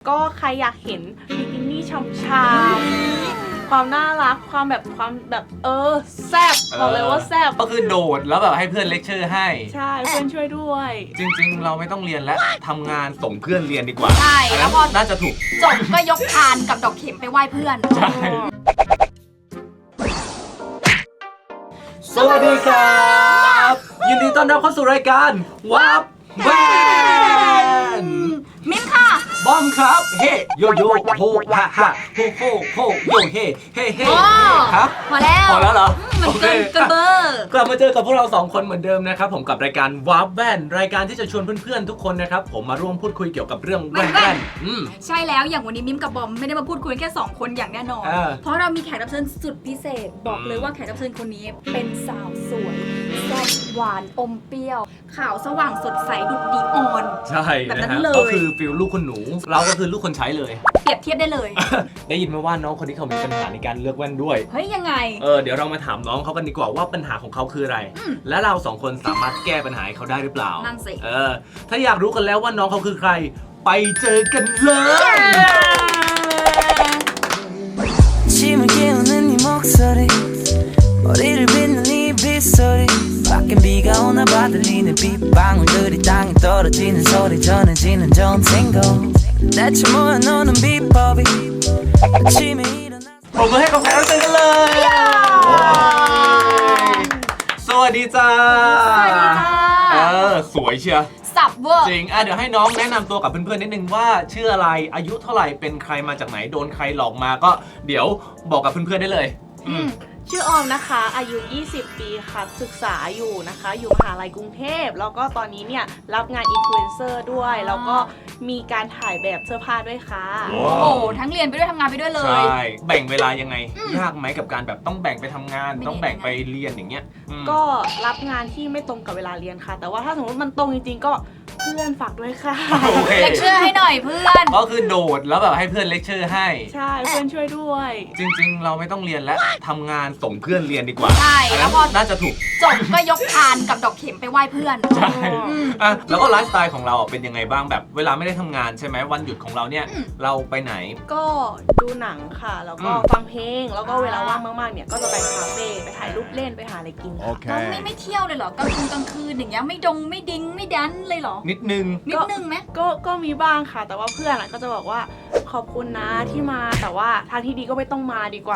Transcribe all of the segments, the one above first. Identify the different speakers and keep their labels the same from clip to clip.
Speaker 1: ก็ใครอยากเห็นบิกินี่ช่ำๆความน่ารักความแบบแซ่บบอกเลยว่าแซ่บ
Speaker 2: ก็คือโดดแล้วแบบให้เพื่อนเลคเชอร์ให้
Speaker 1: ใช่เพื่อนช่วยด้วย
Speaker 2: จริงๆเราไม่ต้องเรียนแล้วทำงานส่งเพื่อนเรียนดีกว่า
Speaker 3: ใช่แล้วพอ
Speaker 2: น่าจะถูก
Speaker 3: จบก็ยกพานกับดอกเข็มไปไหว้เพื่อน
Speaker 2: ใช่สวัสดีครับยินดีต้อนรับเข้าสู่รายการวับแวน
Speaker 3: มิ้นค่ะ
Speaker 2: บอมครับเฮโยโย่โฮฮาฮาโฮโฮโฮโยเฮเฮเฮครับ
Speaker 3: พอแล้ว
Speaker 2: เหรอ
Speaker 3: มันเกินกระเบอร์
Speaker 2: กลับมาเจอกับพวกเรา2คนเหมือนเดิมนะครับผมกับรายการวับแวนรายการที่จะชวนเพื่อนๆทุกคนนะครับผมมาร่วมพูดคุยเกี่ยวกับเรื่องแว่น
Speaker 3: ใช่แล้วอย่างวันนี้มิ้มกับบอมไม่ได้มาพูดคุยแค่2คนอย่างแน่นอนเพราะเรามีแขกรับเชิญสุดพิเศษบอกเลยว่าแขกรับเชิญคนนี้เป็นสาวสวยแซ่บหวานอมเปรี้ยวขาวสว่างสดใสดุจดีออน
Speaker 2: ใช่แบบนั้นเลยก็คือฟิลลูกคนหนูเราก็คือลูกคนใช้เลย
Speaker 3: เปรียบเทียบได้เลย
Speaker 2: ได้ยินมาว่าน้องคนนี้เขามีปัญหาในการเลือกแว่นด้วย
Speaker 3: เฮ้ยยังไง
Speaker 2: เดี๋ยวเรามาถามน้องเขากันดีกว่าว่าปัญหาของเขาคืออะไรและเรา2คนสามารถแก้ปัญหาให้เขาได้หรือเปล่า
Speaker 3: นั่นสิ
Speaker 2: ถ้าอยากรู้กันแล้วว่าน้องเขาคือใครไปเจอกันเลยผมมาให้กับแขกรับเชิญกันเลยสวัสดีจ้า
Speaker 3: สวัสดีจ้า
Speaker 2: สวยเชีย
Speaker 3: สับเวอร์
Speaker 2: จริงเดี๋ยวให้น้องแนะนำตัวกับเพื่อนๆนิดนึงว่าชื่ออะไรอายุเท่าไหร่เป็นใครมาจากไหนโดนใครหลอกมาก็เดี๋ยวบอกกับเพื่อนๆได้เลย
Speaker 1: ชื่อออมนะคะอายุ20ปีค่ะศึกษาอยู่นะคะอยู่มหาลัยกรุงเทพแล้วก็ตอนนี้เนี่ยรับงานอินฟลูเอนเซอร์ด้วยแล้วก็มีการถ่ายแบบเสื้อผ้าด้วยค่ะ
Speaker 3: โอ้ทั้งเรียนไปด้วยทำงานไปด้วยเลย
Speaker 2: ใช่แบ่งเวลายังไงยากไหมกับการแบบต้องแบ่งไปทำงานต้องแบ่งไปเรียนอย่างเงี้ย
Speaker 1: ก็รับงานที่ไม่ตรงกับเวลาเรียนค่ะแต่ว่าถ้าสมมติมันตรงจริงๆก็เพื่อนฝากด้วยค่ะ
Speaker 3: เลคเชอร์ให้หน่อยเพื่อน
Speaker 2: ก็คือโดดแล้วแบบให้เพื่อนเลคเชอร์ให้
Speaker 1: ใช่เพื่อนช่วยด้วย
Speaker 2: จริงๆเราไม่ต้องเรียนแล้วทำงานส่งเพื่อนเรียนดีกว่า
Speaker 3: ใช่แล้วพอ
Speaker 2: น่าจะถูก
Speaker 3: จบก็ยกพานกับดอกเข็มไปไหว้เพื่อน
Speaker 2: ใช่แล้วก็ไลฟ์สไตล์ของเราเป็นยังไงบ้างแบบเวลาไม่ได้ทำงานใช่ไหมวันหยุดของเราเนี่ยเราไปไหน
Speaker 1: ก็ดูหนังค่ะแล้วก็ฟังเพลงแล้วก็เวลาว่างมากๆเนี่ยก็จะไปคาเฟ่ไปถ่ายรูปเล่นไปหาอะไรกิน
Speaker 3: ค่ะไม่เที่ยวเลยเหรอกลางคืนอย่างเงี้ยไม่ดิ้งไม่ดันเลยเหรอ
Speaker 2: นิดนึง
Speaker 1: ไหมก็มีบ้างค่ะแต่ว่าเพื่อนก็จะบอกว่าขอบคุณนะที่มาแต่ว่าทางที่ดีก็ไม่ต้องมาดีกว่า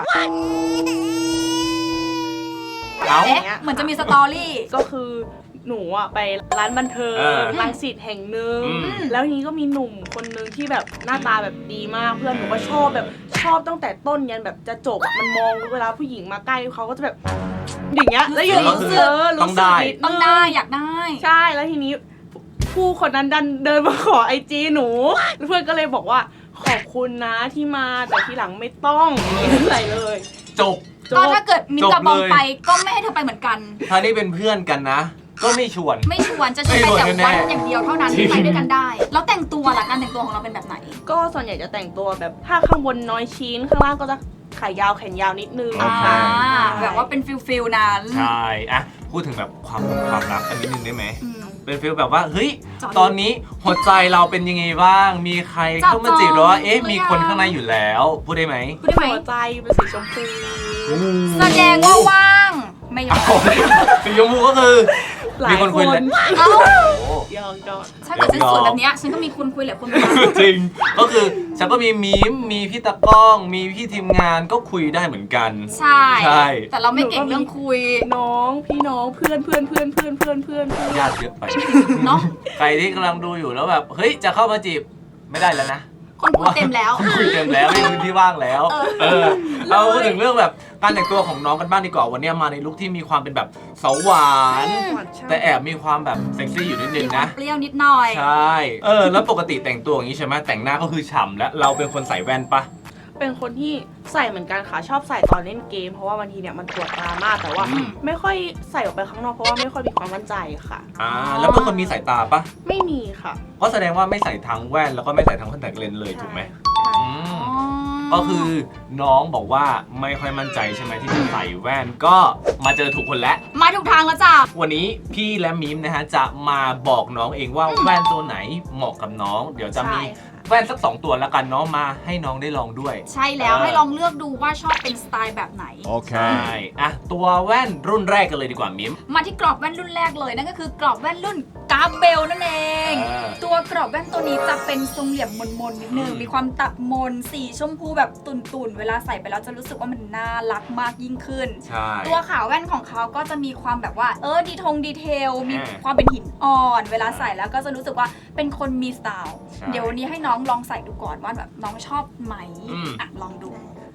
Speaker 3: เหมือนจะมีสตอรี่
Speaker 1: ก็คือหนูไปร้านบันเทิงรังสิตแห่งหนึ่งแล้วทีนี้ก็มีหนุ่มคนนึงที่แบบหน้าตาแบบดีมากเพื่อนหนูก็ชอบตั้งแต่ต้นยันแบบจะจบมันมองเวลาผู้หญิงมาใกล้เขาก็จะแบบอย่างเงี้ยแล้วอยู่รู้สึก
Speaker 3: ต้องได้อยากได้
Speaker 1: ใช่แล้วทีนี้ผู้คนนั้นดันเดินมาขอIGหนูเพื่อนก็เลยบอกว่าขอบคุณนะที่มาแต่ทีหลังไม่ต้องอะไรเลย
Speaker 2: จบ
Speaker 3: ก็ถ้าเกิดมินกับบอมไปก็ไม่ให้เธอไปเหมือนกัน
Speaker 2: ถ้านี่เป็นเพื่อนกันนะก็ไม่ชวน
Speaker 3: จะชวนไปแต่วันอย่างเดียวเท่านั้นที่ไปด้วยกันได้แล้วแต่งตัวล่ะการแต่งตัวของเราเป็นแบบไหน
Speaker 1: ก็ส่วนใหญ่จะแต่งตัวแบบถ้าข้างบนน้อยชิ้นข้างล่างก็จะขายาวแขนยาวนิดนึง
Speaker 3: แบบว่าเป็นฟิลนั้น
Speaker 2: ใช่พูดถึงแบบความรักกันนิดนึงได้ไหมเป็นฟีลแบบว่าเฮ้ยตอนนี้หัวใจเราเป็นยังไงบ้างมีใครเข้ามาจีบหรือว่ามีคนข้างในอยู่แล้วพูดได้ไหม
Speaker 1: หัวใจเป็นสีชมพู
Speaker 3: แสดงว่าว่างไม่ยอม
Speaker 2: สีชมพูก็คือมีคนคุยแหละ
Speaker 1: ยอง
Speaker 3: ถ้าเกิดฉันสวยแบบนี้ฉันก็มีคนคุยแหละคน
Speaker 2: จริงก็คือฉันก็มีมีพี่ตากล้องมีพี่ทีมงานก็คุยได้เหมือนกัน
Speaker 3: ใช่แต่เราไม่เก่งเรื่องคุย
Speaker 1: น้องพี่น้องเพื่อน
Speaker 2: ญาติเยอะไปเนาะใครที่กำลังดูอยู่แล้วแบบเฮ้ยจะเข้ามาจีบไม่ได้แล้วนะ
Speaker 3: คนคุยเต็มแล้ว
Speaker 2: ไม่มีพื้นที่ว่างแล้วเราพูดถึงเรื่องแบบการแต่งตัวของน้องกันบ้างดีกว่าวันนี้มาในลุคที่มีความเป็นแบบสาวหวานแต่แอบมีความแบบเซ็กซี่อยู่นิดนึงนะ
Speaker 3: เปรี้ยวนิดหน่อย
Speaker 2: ใช่แล้วปกติแต่งตัวอย่างนี้ใช่ไหมแต่งหน้าก็คือฉ่ำแล้วเราเป็นคนใส่แว่นปะ
Speaker 1: เป็นคนที่ใส่เหมือนกันค่ะชอบใส่ตอนเล่นเกมเพราะว่าบางทีเนี่ยมันปวดตามากแต่ว่าไม่ค่อยใส่ออกไปข้างนอกเพราะว่าไม่ค่อยมีความมั่นใจค่ะ
Speaker 2: แล้วเป็นคนมีสายตาปะ
Speaker 1: ไม่มีค่ะ
Speaker 2: ก็แสดงว่าไม่ใส่ทั้งแว่นแล้วก็ไม่ใส่ทั้งคอนแทคเลนส์เลยถูกไหมก็คือน้องบอกว่าไม่ค่อยมั่นใจใช่ไหมที่จะใส่แว่นก็มาเจอถูกคนแล้ว
Speaker 3: มาถูกทางแล้วจ้ะ
Speaker 2: วันนี้พี่และมิมนะฮะจะมาบอกน้องเองว่าแว่นตัวไหนเหมาะกับน้องเดี๋ยวจะมีแว่นสัก2ตัวแล้วกันเนาะมาให้น้องได้ลองด้วย
Speaker 3: ใช่แล้วให้ลองเลือกดูว่าชอบเป็นสไตล์แบบไหน
Speaker 2: ใช่อ่ะตัวแว่นรุ่นแรกกันเลยดีกว่ามิม
Speaker 3: มาที่กรอบแว่นรุ่นแรกเลยนั่นก็คือกรอบแว่นรุ่นกาเบลนั่นเอง ตัวกรอบแว่นตัวนี้จะเป็นทรงเหลี่ยมมนๆนิดนึงมีความตัดมนสีชมพูแบบตุ่นๆเวลาใส่ไปแล้วจะรู้สึกว่ามันน่ารักมากยิ่งขึ้น
Speaker 2: ใช่
Speaker 3: ตัวขาวแว่นของเขาก็จะมีความแบบว่าดีเทลมีความเป็นหินอ่อนเวลาใส่แล้วก็จะรู้สึกว่าเป็นคนมีสไตล์เดี๋ยววันนี้ให้น้องลองใส่ดูก่อนว่าแบบน้องชอบไหมอ่ะลองดู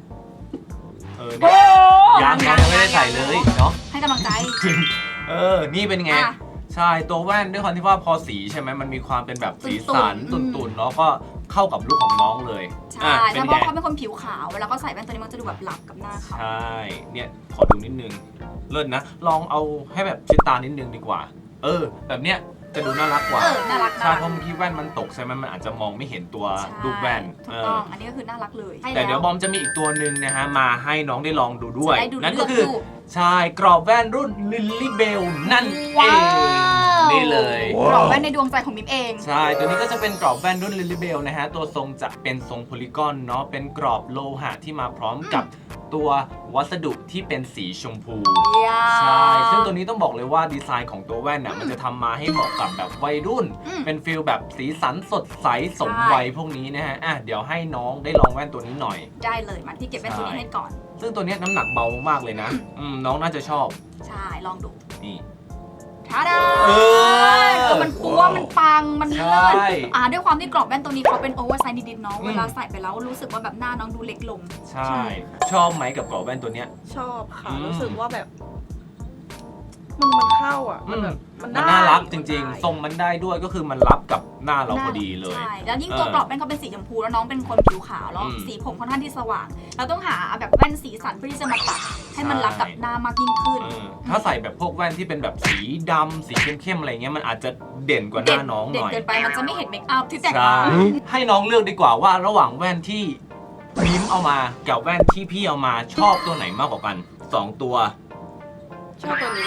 Speaker 2: ยังไม่ได้ใส่เลยเนาะ
Speaker 3: ให้กำลังใจ
Speaker 2: นี่เป็นไงใช่ตัวแว่นด้วยความที่ว่าพอสีใช่ไหมมันมีความเป็นแบบสีสันตุ่นๆเนาะก็เข้ากับลุคของน้องเลย
Speaker 3: ใช่แล้วเพราะเขาเป็นคนผิวขาวเวลาเขาใส่แว่นตัวนี้มันจะดูแบบหลับกับหน้าเขา
Speaker 2: ใช่เนี่ยขอดูนิดนึงเลิศนะลองเอาให้แบบชิดตานิดนึงดีกว่าแบบเนี้ยจะดูน่ารักกว่า
Speaker 3: น่ารัก
Speaker 2: ใช่เพราะเมื่อกี้แว่นมันตกใช่ไหมมันอาจจะมองไม่เห็นตัวรูปแว่น
Speaker 3: ถูกต้องอันนี้ก็คือน่ารักเลย
Speaker 2: แต่เดี๋ยวบอมจะมีอีกตัวหนึ่งนะฮะมาให้น้องได้ลองดูด้วยนั่นก็คือใช่กรอบแว่นรุ่นลิลลี่เบลนั่นเองนี่เลย
Speaker 3: กรอบแว่นในดวงใจของมิมเอง
Speaker 2: ใช่ตัวนี้ก็จะเป็นกรอบแว่นรุ่นลิลลี่เบลนะฮะตัวทรงจะเป็นทรงโพลีกอนเนาะเป็นกรอบโลหะที่มาพร้อมกับตัววัสดุที่เป็นสีชมพูใช่ซึ่งตัวนี้ต้องบอกเลยว่าดีไซน์ของตัวแว่นน่ะมันจะทำมาให้เหมาะกับแบบวัยรุ่นเป็นฟิลแบบสีสันสดใสสมวัยพวกนี้นะฮะเดี๋ยวให้น้องได้ลองแว่นตัวนี้หน่อย
Speaker 3: ได้เลยมาที่เก็บแว่นตัวนี้ให้ก่อน
Speaker 2: ซึ่งตัวนี้น้ำหนักเบามากเลยนะน้องน่าจะชอบ
Speaker 3: ใช่ลองดู
Speaker 2: นี่
Speaker 3: ท้าดามันปัวมันปังมันเลิศด้วยความที่กรอบแว่นตัวนี้เขาเป็นโอเวอร์ไซส์นิดๆเนาะเวลาใส่ไปแล้วรู้สึกว่าแบบหน้าน้องดูเล็กลง
Speaker 2: ใช่ชอบไหมกับกรอบแว่นตัวเนี้ย
Speaker 1: ชอบค่ะรู้สึกว่าแบบมันเข้าอ่ะมันแบบ
Speaker 2: มันน่ารักจริงๆทรงมันได้ด้วยก็คือมันรับกับหน้าเราพอดีเลย
Speaker 3: ใช่แล้วยิ่งตัวกรอบแว่นเขาเป็นสีชมพูแล้วน้องเป็นคนผิวขาวแล้วสีผมค่อนข้างที่สว่างเราต้องหาแบบแว่นสีสันเพื่อที่จะมาตัดให้มันรับกับหน้ามากยิ่งขึ้น
Speaker 2: ถ้าใส่แบบพวกแว่นที่เป็นแบบสีดำสีเข้มๆอะไรเงี้ยมันอาจจะเด่นกว่าหน้าน้องหน่อย
Speaker 3: เด่นเกินไปมันจะไม่เห็นเมคอัพที่แต่งมา
Speaker 2: ให้น้องเลือกดีกว่าว่าระหว่างแว่นที่มิมเอามากับแว่นที่พี่เอามาชอบตัวไหนมากกว่ากัน2ตัว
Speaker 1: ชอบตัวนี้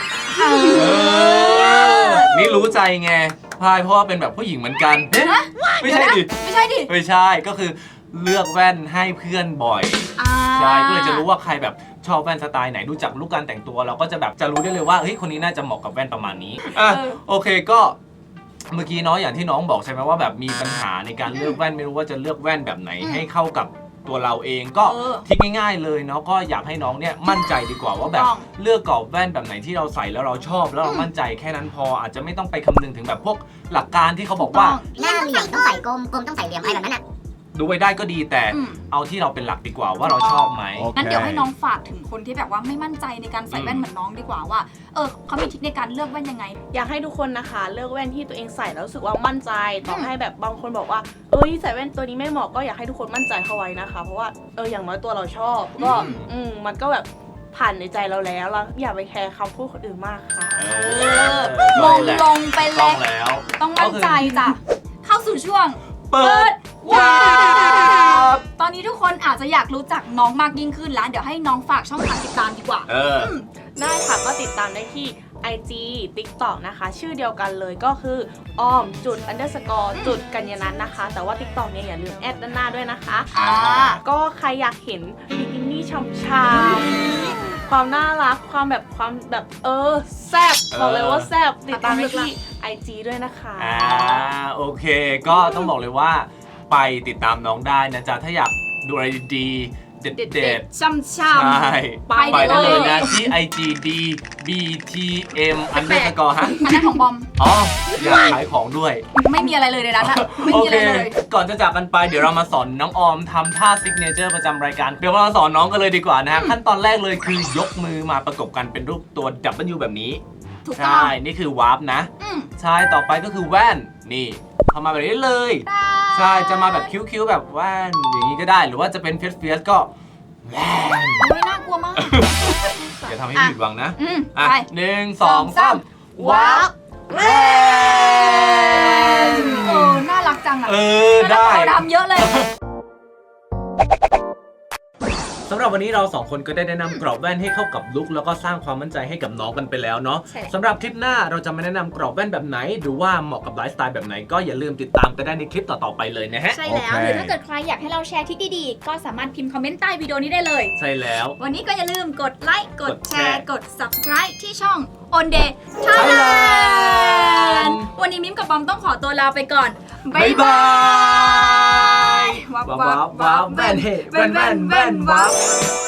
Speaker 2: นี่รู้ใจไงพายเพราะว่าเป็นแบบผู้หญิงเหมือนกันไม่ใช่ดิ
Speaker 3: ไม่ใช่ดิ
Speaker 2: ไม่ใช่ก็คือเลือกแว่นให้เพื่อนบ่อยใช่ก็เลยจะรู้ว่าใครแบบชอบแว่นสไตล์ไหนดูจากลุคการแต่งตัวเราก็จะแบบจะรู้ได้เลยว่าเฮ้ยคนนี้น่าจะเหมาะกับแว่นประมาณนี้โอเคก็เมื่อกี้เนาะอย่างที่น้องบอกใช่ไหมว่าแบบมีปัญหาในการเลือกแว่นไม่รู้ว่าจะเลือกแว่นแบบไหนให้เข้ากับตัวเราเองก็ทิกง่ายๆเลยเนาะก็อยากให้น้องเนี่ยมั่นใจดีกว่าว่าแบบเลือกกรอบแว่นแบบไหนที่เราใส่แล้วเราชอบแล้วเรามั่นใจแค่นั้นพออาจจะไม่ต้องไปคำนึงถึงแบบพวกหลักการที่เขาบอกว่า
Speaker 4: หน้าเหลี่ยมต้องใส่กลมกลมต้องใส่เหลี่ยมอะไรแบบนั้นอ่ะ
Speaker 2: ดูไปได้ก็ดีแต่เอาที่เราเป็นหลักดีกว่าว่าเราชอบไหม
Speaker 3: งั้นเดี๋ยวให้น้องฝากถึงคนที่แบบว่าไม่มั่นใจในการใส่แว่นเหมือนน้องดีกว่าว่าเขามีทริคในการเลือกแว่นยังไง
Speaker 1: อยากให้ทุกคนนะคะเลือกแว่นที่ตัวเองใส่แล้วรู้สึกว่ามั่นใจต่อให้แบบบางคนบอกว่าใส่แว่นตัวนี้ไม่เหมาะก็อยากให้ทุกคนมั่นใจเข้าไว้นะคะเพราะว่าอย่างน้อยตัวเราชอบก็มันก็แบบผ่านในใจเราแล้วอย่าไปแคร์คำพูดคนอื่นมากค่ะ
Speaker 3: มงลงไปแล้วต้องมั่นใจจ้ะเข้าสู่ช่วงเปิดวาร์ปตอนนี้ทุกคนอาจจะอยากรู้จักน้องมากยิ่งขึ้นแล้วเดี๋ยวให้น้องฝากช่องทางติดตามดีกว่า
Speaker 1: ได้ค่ะก็ติดตามได้ที่ IG TikTok นะคะชื่อเดียวกันเลยก็คือ__กัญญนัทนะคะแต่ว่า TikTok เนี่ยอย่าลืมแอดด้านหน้าด้วยนะคะก็ใครอยากเห็นบิกินี่ช่ำๆความน่ารักความแบบแซ่บบอกเลยว่าแซ่บติดตามได้ที่ IG ด้วยนะคะ
Speaker 2: โอเคก็ต้องบอกเลยว่าไปติดตามน้องได้นะจ๊ะถ้าอยากดูอะไรดีเด็ด
Speaker 3: ๆช่ำๆใช่
Speaker 2: ไปได้เลยนะที่ IGD BTM _ ฮะ
Speaker 3: อันนั้นของบอม
Speaker 2: อยากขายของด้วย
Speaker 3: ไม่มีอะไรเลยในนั้นไม่มีอะไรเลย
Speaker 2: ก่อนจะจากกันไปเดี๋ยวเรามาสอนน้องออมทำท่าซิกเนเจอร์ประจำรายการเดี๋ยวเราสอนน้องกันเลยดีกว่านะฮะขั้นตอนแรกเลยคือยกมือมาประกบกันเป็นรูปตัว W แบบนี้ใช่นี่คือวาร์ปนะใช่ต่อไปก็คือแว่นนี่ทำมาแบบนี้เลยใช่จะมาแบบคิ้วๆแบบแว่นอย่างนี้ก็ได้หรือว่าจะเป็นเฟียสก็แว่น
Speaker 3: ไม่น่ากลัวมาก
Speaker 2: อย่าทำให้ผิดหวังนะ1 2 3วาร์ปแว่น
Speaker 3: น่ารักจัง
Speaker 2: ได้
Speaker 3: เขาดำเยอะเลย
Speaker 2: สำหรับวันนี้เรา2คนก็ได้แนะนำกรอบแว่นให้เข้ากับลุคแล้วก็สร้างความมั่นใจให้กับน้องกันไปแล้วเนาะ
Speaker 3: ใช่แล้ว
Speaker 2: สำหรับคลิปหน้าเราจะมาแนะนำกรอบแว่นแบบไหนหรือว่าเหมาะกับไลฟ์สไตล์แบบไหนก็อย่าลืมติดตามกันได้ในคลิปต่อๆไปเลยนะฮะ
Speaker 3: ใช่แล้ว
Speaker 2: โอเค
Speaker 3: หรือถ้าเกิดใครอยากให้เราแชร์ทริคดีๆ ก็สามารถพิมพ์คอมเมนต์ใต้วิดีโอนี้ได้เลย
Speaker 2: ใช่แล้ว
Speaker 3: วันนี้ก็อย่าลืมกดไลค์ กดแช
Speaker 2: กดแชร์
Speaker 3: ร์ กด subscribe ที่ช่อง On Day Thailand วันนี้มิ้มกับบอมต้องขอตัวลาไปก่อน
Speaker 2: บ๊ายบาย
Speaker 3: วับ
Speaker 2: ว้าวว้าวแว่นเฮ้แว่นแว่นแว่นว้าว